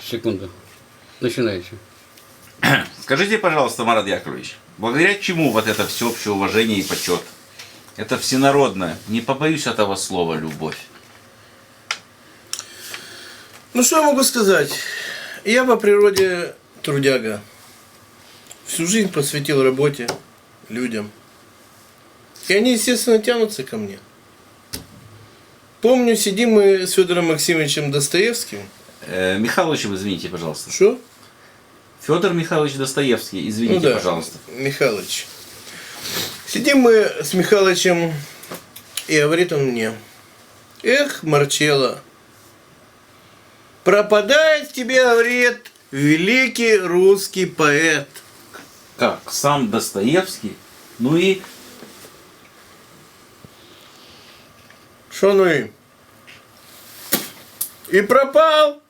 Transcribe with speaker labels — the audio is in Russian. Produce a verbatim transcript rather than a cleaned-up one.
Speaker 1: Секунду. Начинайте.
Speaker 2: Скажите, пожалуйста, Марат Яковлевич, благодаря чему вот это всеобщее уважение и почет? Это всенародная, не побоюсь этого слова, любовь.
Speaker 3: Ну что я могу сказать? Я по природе трудяга. Всю жизнь посвятил работе, людям. И они, естественно, тянутся ко мне. Помню, сидим мы с Федором Максимовичем Достоевским.
Speaker 2: Э, Михайловичем, извините, пожалуйста.
Speaker 3: Что?
Speaker 2: Федор Михайлович Достоевский, извините,
Speaker 3: Ну да,
Speaker 2: пожалуйста.
Speaker 3: Михалыч. Сидим мы с Михалычем, и говорит он мне: эх, Марчелло, пропадает тебе, говорит, великий русский поэт.
Speaker 2: Как? Сам Достоевский? Ну и...
Speaker 3: Что ну и? И пропал.